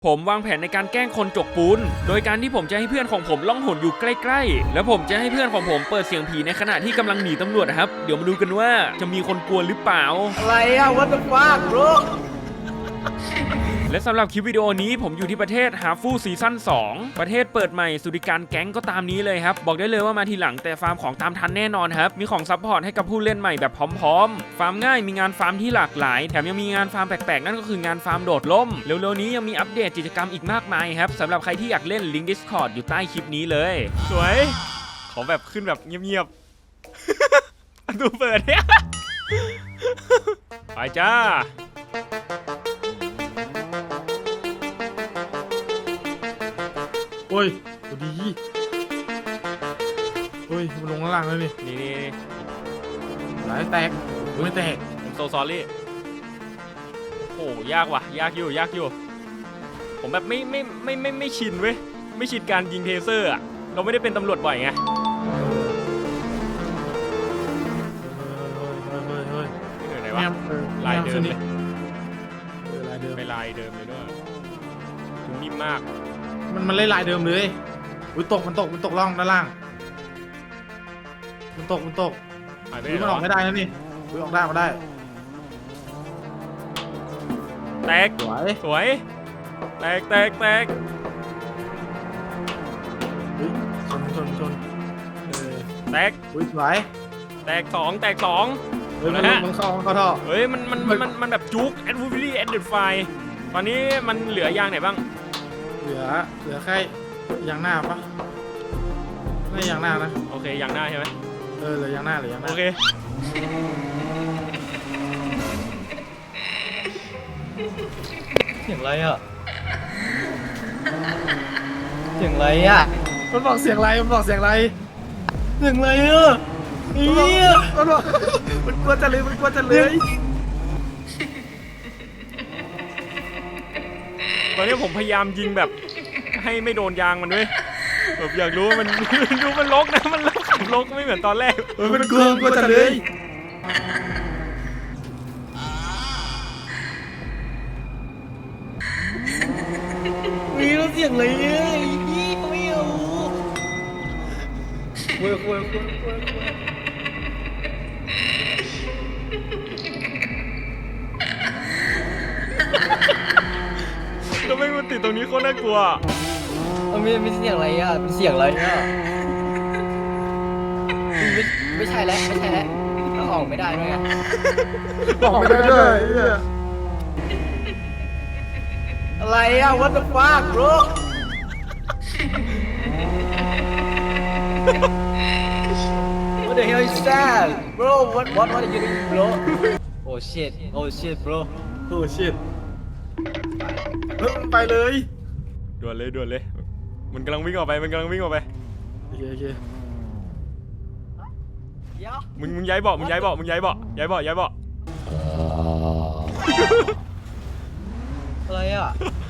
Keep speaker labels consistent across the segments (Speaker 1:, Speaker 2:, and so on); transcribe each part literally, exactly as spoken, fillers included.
Speaker 1: ผมวางแผนในการแกล้งคนจกปูนโดยการที่ผมจะให้เพื่อนของผมล่องหนอยู่ใกล้ๆแล้วผมจะให้เพื่อนของผมเปิดเสียงผีในขณะที่กำลังหนีตำรวจนะครับเดี๋ยวมาดูกันว่าจะมีคนกลัวหรือเปล่า
Speaker 2: อะไรอะ what the fuck bro
Speaker 1: และสำหรับคลิปวิดีโอนี้ผมอยู่ที่ประเทศฮาฟูซีซั่นสองประเทศเปิดใหม่สุดิการแก๊งก็ตามนี้เลยครับบอกได้เลยว่ามาทีหลังแต่ฟาร์มของตามทันแน่นอนครับมีของซัพพอร์ตให้กับผู้เล่นใหม่แบบพร้อมๆฟาร์มง่ายมีงานฟาร์มที่หลากหลายแถมยังมีงานฟาร์มแปลกๆนั่นก็คืองานฟาร์มโดดล่มเร็วๆนี้ยังมีอัปเดตกิจกรรมอีกมากมายครับสำหรับใครที่อยากเล่นลิงก์ Discord อยู่ใต้คลิปนี้เลยสวยขอแบบขึ้นแบบเงียบๆประตูเปิดเนี่ยไปจ้า
Speaker 3: โอ้ยตัวดีโอ้ยมันลงข้างล่างแล้วนี่
Speaker 1: นี่นี่
Speaker 3: หลายแตกไม่แตก
Speaker 1: ผมโซซอรี่โอ้ยากว่ะยากอยู่ยากอยู่ผมแบบไม่ไม่ไม่ไม่ไม่ชินเว้ยไม่ชินการยิงเทเซอร์อ่ะเราไม่ได้เป็นตำรวจบ่อยไง
Speaker 3: เฮ้ยเฮ้ยเฮ้ย
Speaker 1: นี่ไหนวะลายเดิมเลย
Speaker 3: ลายเดิม
Speaker 1: ไปลายเดิมเลยด้วยคุณนิ่มมาก
Speaker 3: มันมันเล่นลายเดิมเลยอุ้ยตกมันตกมันตกล่องด้านล่างมันตกมันตกมันออกไม่ได้นะนี่อุ้ยออกได้มาได้
Speaker 1: แตกสวยสวยแตกแตกแตก
Speaker 3: ชนชนชน
Speaker 1: แตก
Speaker 3: อุ้ยสวย
Speaker 1: แตกสองแตกสอง
Speaker 3: เฮ้ยมันมันเข้ามันเข้าท่อ
Speaker 1: เฮ้ยมันมันมันมันแบบจุกแอดวูฟิลี่แอดเดดไฟตอนนี้มันเหลือยางไหนบ้าง
Speaker 3: เหลือเหลือแค่ยางหน้าปะไม่ยางหน้านะ
Speaker 1: โอเคยางหน้าใช่ไหม
Speaker 3: เออเหลือยางหน้าเหลือยางหน้า
Speaker 1: โอเค
Speaker 2: เสียงอะไรอ่ะเสียงอะไรอ่ะ
Speaker 3: มันบอกเสียงอะไรมันบอกเสียงอะไร
Speaker 2: เสียงอะไรอ่ะ
Speaker 3: เนี่ยมันบอกมันกลัวจะเลยมันกลัวจะเลย
Speaker 1: ตอนนี้ผมพยายามยิงแบบให้ไม่โดนยางมันด้วยแบบอยากรู้ว่ามันดูมันลกนะมันเริ่มขับลกไม่เหมือนตอนแรก
Speaker 3: เออมันกลัวกลัวจะเลย
Speaker 2: มีแล้วเสียงอะไรเนี่ยยี่ไม่เอาคุยคุยคุยคุย
Speaker 1: ก็ไม่มันติดตรงนี้โคตรน่ากลัว
Speaker 2: มันไม่ไม่เสียงอะไรอ่ะเป็นเสียงอะไรอ่ะไม่ไม่ใช่แล้วไม่ใช่แล้วเราออกไม่ได้ด้วยไง
Speaker 3: ออกไม่ได้ด้วย
Speaker 2: อะไรอ่ะ what the fuck bro what the hell is that bro what what what are you doing bro oh shit oh shit bro
Speaker 3: oh shit เฮ้ยไปเลย
Speaker 1: ด่วนเลยด่วนเลยมันกำลังวิ่งออกไปมันกำลังวิ่งออกไป
Speaker 3: โอเคโอเค
Speaker 1: มึงมึงย้ายเบาะมึงย้ายเบาะมึงย้ายเบาะย้ายเบาะย้ายเบาะ
Speaker 2: อะไรอ่ะ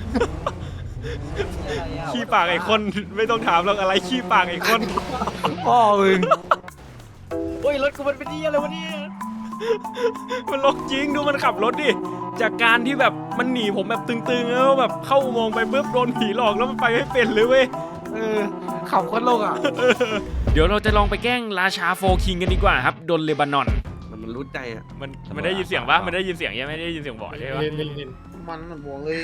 Speaker 1: ขี้ปากไอ้คนไม่ต้องถามหรอกอะไรขี้ปากไอ้คน
Speaker 2: พ่อมึงโอ้ยรถกูมันเป็นนี่อะไรวะเนี่ย
Speaker 1: มันลกจริงดูมันขับรถดิจากการที่แบบมันหนีผมแบบตึงๆแล้วแบบเข้าอุโมงค์ไปปุ๊บโดนผีหลอกแล้วมันไปไม่เป็นเลยเว้ย
Speaker 3: เออขับโคตรโลกอ่ะ
Speaker 1: เดี๋ยวเราจะลองไปแกล้งราชาโฟคิงกันดีกว่าครับดนเลบานอน
Speaker 3: มันมันรู้ใจอ่ะ
Speaker 1: มันมันได้ยินเสียงปะมันได้ยินเสียงยังไม่ได้ยินเสียงบ่อยใช่ปะ
Speaker 3: มันมันบวกเลย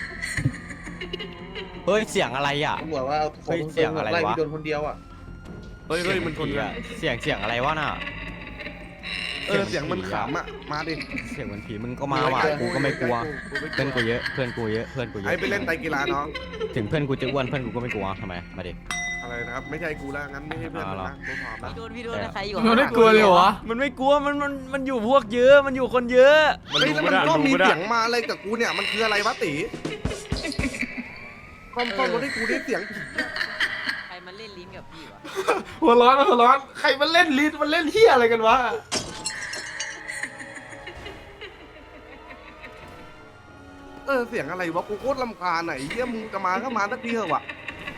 Speaker 2: เฮ้ยเสียงอะไรอ่ะ
Speaker 3: บอกว่าเฮ้ยเสียงอะไรวะโดนคนเดียวอ่ะ
Speaker 1: เฮ้ยเฮ้ยมันคนอ่ะ
Speaker 2: เสียงเสียงอะไรวะน่ะ
Speaker 3: เออเสียงมันขำอ่ะมาดิ
Speaker 2: เสียงเหมือนผีมึงก็มาว่ะกูก็ไม่กลัวเพื่อนกูเยอะเพื่อนกูเยอะเพื่อนกูเยอะ
Speaker 3: ไอ้ไปเล่นไตกีฬาน้อง
Speaker 2: ถึงเพื่อนกูจะอ้วนเพื่อนกูก็ไม่กลัวทำไมมาดิ
Speaker 3: อะไรนะครับไม่ใช่กูแล้วงั้นไม่ใช่เพื่อนนะกูพร้อมแล้ว
Speaker 4: พี่โดนพี่โดนใครอยู่
Speaker 3: มันไม่กลัวเลยเหรอ
Speaker 1: มันไม่กลัวมันมันมันอยู่พวกเยอะมันอยู่คนเยอะ
Speaker 3: มันแล้วมันก็มีเสียงมาอะไรกับกูเนี่ยมันคืออะไรวะตีความความรู้ที่กูได้เสียง
Speaker 4: ใครมันเล่นลิ้นกับพี่วะ
Speaker 3: หัวร้อนหัวร้อนใครมันเล่นลิ้นมันเล่นเฮียอะไรกันวะเออเสียงอะไรวะกูโคตรลำคาญไหนเฮียมึงจะมาก็มาสักทีเถอะวะ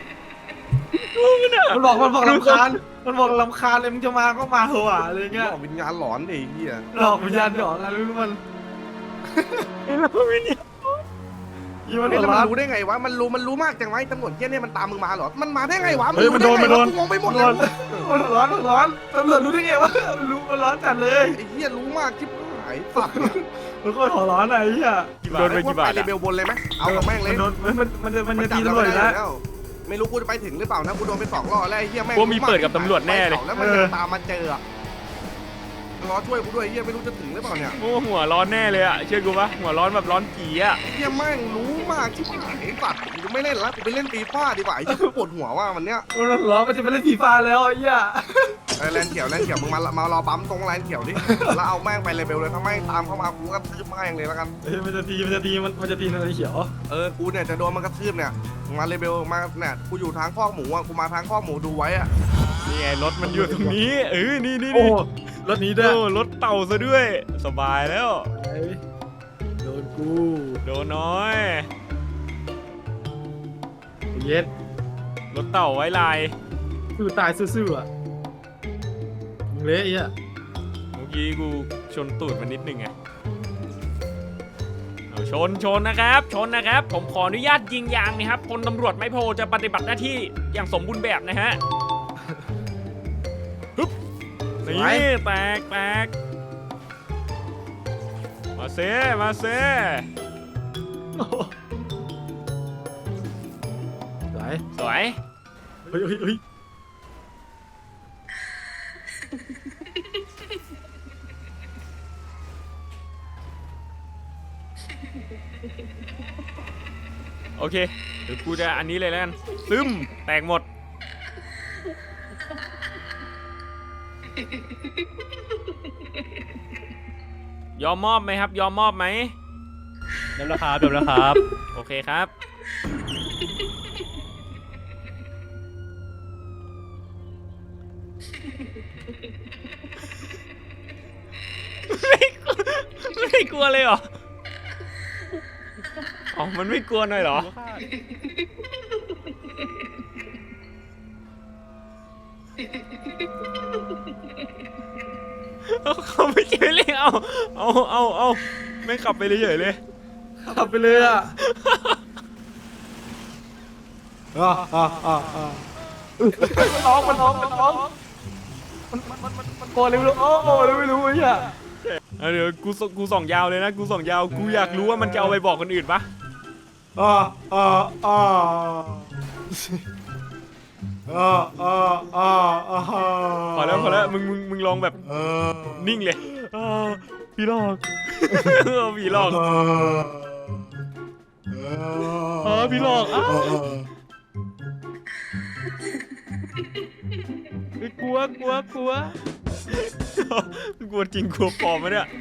Speaker 3: มันบอกมันบอกลำคาญมันบอกลำคาญเลยมึงจะมาก็มาเถอะอะไรเงี้ยหลอกวิญญาณหลอนดิเฮียหลอกวิญญาณหลอนอะไรรู้มัน
Speaker 1: เราวิญญาณ
Speaker 3: อีมัน
Speaker 5: เฮ้ย
Speaker 3: หั
Speaker 5: แล้ว ว
Speaker 3: ร้
Speaker 5: มัน
Speaker 3: อน
Speaker 5: รู้ได้ไงวะมันรู้มันรู้มากจังไวะตำรวจเกี้ยเนี่ยมันตามมึงมาเหรอมันมาได้ไงวะ
Speaker 3: เฮ้ยมันโดนมันโดน
Speaker 5: กูงงไปหมด
Speaker 3: โด
Speaker 5: เลย
Speaker 3: นมันร้อนมันร้อนตำรวจรู้ได้ไงวะรู้มันร้อนจัดเลย
Speaker 5: ไอ้เหี้ยรู้มากชิบหายสัตว์
Speaker 3: มันโคตรหัวร้อนอะไอ้เหี้ย
Speaker 1: โดนไปกี่บาท
Speaker 5: เล
Speaker 1: อะ
Speaker 5: เบลบนเลยไหมเอากับแม่งเลย
Speaker 3: มันโดนมันมันจะมันจะ
Speaker 5: จั
Speaker 3: ตี
Speaker 5: บ
Speaker 3: ตำรวจ
Speaker 5: ได้
Speaker 3: นะ
Speaker 5: แล้วไม่รู้กูจะไปถึงหรือเปล่านะกูโดนไปสองรอบแล้วไอ้เหี้ยแม่ง
Speaker 1: พวกมีเปิดกับตำรวจแน่เลย
Speaker 5: แล้วมันจะตามมาเจอรอช่วยกูด้วยไอ้เหี้ยไม่รู้จะถึงหรือเปล่าเนี่ย
Speaker 1: โอ้หัวร้อนแน่เลยอะเชื่อกูปะหัวร้อนแบบร้อนจีอะ
Speaker 5: ไอ้เหี้ยแม่งรู้มากชิบหายไอ้สัตว์กูไม่เล่นแล้วกูไปเล่นฟีฟ่าดีกว่าไอ้เหี้ยกูปวดหัวว่ามันเนี้ย
Speaker 3: มันร้อนมันจะไปเล่นฟีฟ่าแล้วไอ้เหี้ย
Speaker 5: ไอ้แลนเขียวแลนเขียวมึงมามารอปั๊มตรงแลนเขียวดิแล้วเอาแม่งไปเลเบลเลยถ้าแม่งตามเข้ามากูก็ทืบแม่งเลยแล้วกัน
Speaker 3: เฮ้ยมันจะตีมันจะตีมันมันจะตีในเขียว
Speaker 5: เออ กูเนี่ยจะโดนมันกระทืบเนี่ย มาเลเบลมาเนี่ยกูอยู่ทางข้อกหมูอ่ะ กูมาทางข้อกหมูดูไว้อ่ะ
Speaker 1: นี่ไงรถมันอยู่ตรงนี้เออนี่นี่
Speaker 3: โอ้
Speaker 1: นี่
Speaker 3: รถนี้ด้วย
Speaker 1: โอ้รถเต่าซะด้วย สบายแล้ว
Speaker 3: โดนกู
Speaker 1: โดนน้อย
Speaker 3: เย็ด
Speaker 1: รถเต่าไว้ลาย
Speaker 3: สู้ตายซื่อๆอ่ะมึงเละไอ้เหี้ย
Speaker 1: เมื่อกี้กูชนตูดมันนิดนึงไงเอาชนชนนะครับ ชนนะครับ ผมขออนุญาตยิงยางนะครับพลตำรวจไม่โพจะปฏิบัติหน้าที่อย่างสมบูรณ์แบบนะฮะฮึบนี่แตกแตกมาเซมาเซ
Speaker 3: ไหล
Speaker 1: สวย
Speaker 3: เฮ้ยเฮ้ยเฮ้ย
Speaker 1: โอเคเดี๋ยวกูจะอันนี้เลยแล้วกันซึมแตกหมดยอมมอบไหมครับ ยอมมอบไหม
Speaker 6: เดี๋ยวนะครับเดี๋ยวนะครับ
Speaker 1: โอเคครับไม่ไม่กลัวเลยเหรออ๋อมันไม่กลัวหน่อยเหรอเอาเขาไม่เจอเลยเอาเอาเอาเอาไม่ขับไปเลยเฉยเลย
Speaker 3: ขับไปเลยอ่ะอ่าอ่าอ่าอ่ามันร้องมันร้องมันร้องมันมันมันมันมันโกรธเลยไม่รู้โอ้โหเลยไม่รู้ไอ้เหี้ย
Speaker 1: เอาเดี๋ยวกูส่งกูส่องยาวเลยนะกูส่องยาวกูอยากรู้ว่ามันจะเอาไปบอกคนอื่นปะ
Speaker 3: อ่าอ่าอ่าอ่าอ่าอ่าอ่า
Speaker 1: พอแล้วพอแล้วมึงมึงมึงลองแบบ
Speaker 3: เออ
Speaker 1: นิ่งเลย
Speaker 6: เออพี่หลอก
Speaker 1: เออผีหลอก
Speaker 3: เออ
Speaker 6: เออพี่หลอกอ้าว กลัวกลัวกลัว
Speaker 1: กลัวจริงกลัวปลอมมะเนี่ย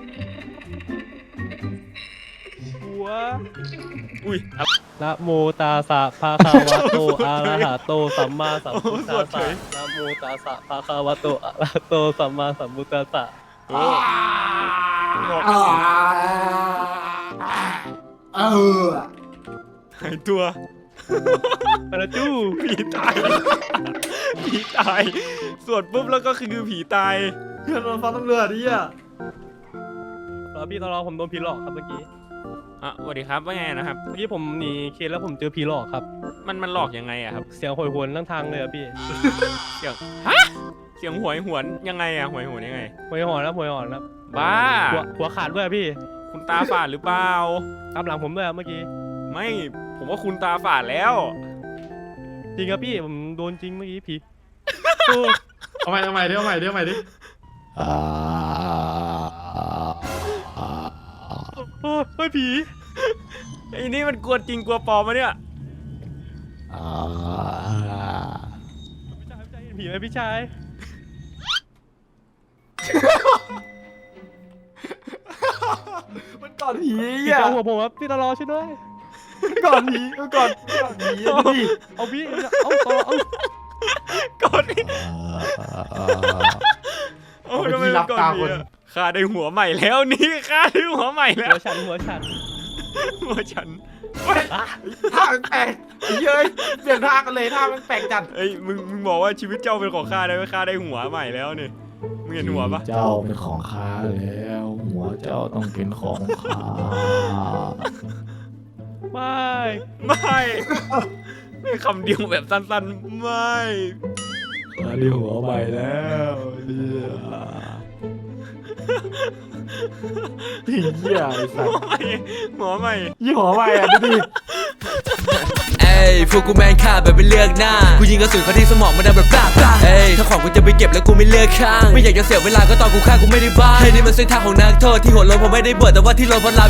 Speaker 6: กลัว
Speaker 1: อุ้ยอะไร
Speaker 6: นะโมตาสะภะคะวะโตอะระหะโตสัมมาสัมพุทธัสสะนะโมตาสะภะคะวะโตอะระหะโตสัมมาสัมพุทธัสสะ
Speaker 1: เออบอก
Speaker 3: เออ
Speaker 1: หายตัว
Speaker 6: ปะจู้
Speaker 1: ผีตายผีตายสวดปุ๊บแล้วก็คือผีตาย
Speaker 3: เพื่อนโดนฟ้าตำรวจดิอ่ะ
Speaker 6: ตอนพี่ตอนรอผมโดนผีหลอกครับเมื่อกี้
Speaker 1: อ่ะสวัสดีครับว่าไงนะครับ
Speaker 6: เมื่อกี้ผมหนีเคสแล้วผมเจอผีหลอกครับ
Speaker 1: มันมันหลอกยังไงอะครับ
Speaker 6: เสียงโหยหวนทั้งทางเลยอะพี่
Speaker 1: เสียงฮะเสียงหวยหวนยังไงอะหวยหวนยังไง
Speaker 6: หวยหอนแล้วหวยหอนแล้ว
Speaker 1: บ้า
Speaker 6: หัวหัวขาดด้วยอะพี่
Speaker 1: คุณตาฝาดหรือเปล่า
Speaker 6: ตามหลังผมด้วยอะเมื่อกี้
Speaker 1: ไม่ผมว่าคุณตาฝาดแล้ว
Speaker 6: จริงครับพี่ผมโดนจริงเมื่อกี้ผี
Speaker 3: เอาใหม่เอาใหม่ดิเอาใหม่ดิเอาใหม่ดิ
Speaker 6: โอ้เฮ้ยผี
Speaker 1: ไอ้นี่มันกลัวจริงกลัวปลอมมะเนี่ย
Speaker 6: พี่ชายพี่ชายเห็นผีไหมพี่ชาย
Speaker 3: มันก่อนผี
Speaker 6: พี่
Speaker 3: อ่ะ
Speaker 6: เจ้าหัวผมครับพี่ตลอช่วยด้วย
Speaker 3: ก่อนผีมันก่อนก่อนผีอ่ะดิ
Speaker 6: เอาพี่เอาต่อเอา
Speaker 1: ก่อนนี่โอ้ทำไมมันก่อนนี่อะข้าได้หัวใหม่แล้วนี่ข้าได้หัวใหม่แล้ว
Speaker 6: หัวฉันหัวฉัน
Speaker 1: หัวฉัน
Speaker 3: ท่ามันแปลกไอ้เย้ยเปลี่ยนท่ากันเลยท่ามันแปลกจัด
Speaker 1: เอ้ยมึงมึงบอกว่าชีวิตเจ้าเป็นของข้าได้ไหมข้าได้หัวใหม่แล้วนี่มึงเห็นหัวปะ
Speaker 7: เจ้าเป็นของข้าแล้ว หัวเจ้าต้องเป็นของข้า
Speaker 6: ไม่ไม่
Speaker 1: ไม่คำเดียวแบบสั้นๆไม่
Speaker 3: อันนี้หัวใหม่แล้วเนี่ยเหี้ยไอ้สัส
Speaker 1: หัวใหม่หัวใหม่
Speaker 3: ยี่หัวใหม่อ่ะดูดิ
Speaker 7: เอ้ยพวกกูแมนฆ่าแบบไม่เลือกหน้ากูยิงกระสุนเข้าที่สมองมันดังแบบปลาปลาเอ้ยถ้าของกูจะไปเก็บแล้วกูไม่เลือกข้างไม่อยากจะเสียเวลาก็ตอนกูฆ่ากูไม่ได้บ้าเฮ้ยนี่มันเส้นทางของนักโทษที่หัวโลนผมไม่ได้เบิดแต่ว่าที่โลนเพราะลา